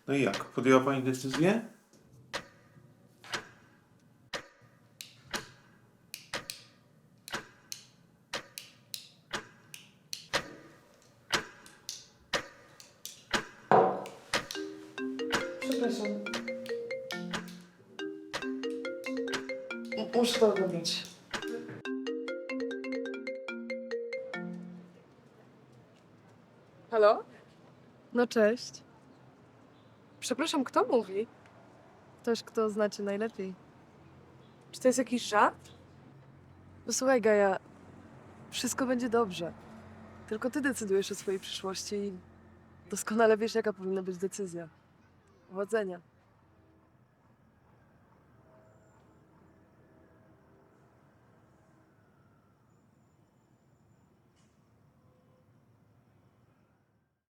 No i jak? Podjęła pani decyzję? Przepraszam. Muszę to ogarnąć. Halo? No cześć. Przepraszam, kto mówi? Ktoś, kto znacie najlepiej. Czy to jest jakiś żart? Posłuchaj, Gaja, wszystko będzie dobrze. Tylko ty decydujesz o swojej przyszłości i doskonale wiesz, jaka powinna być decyzja. Powodzenia.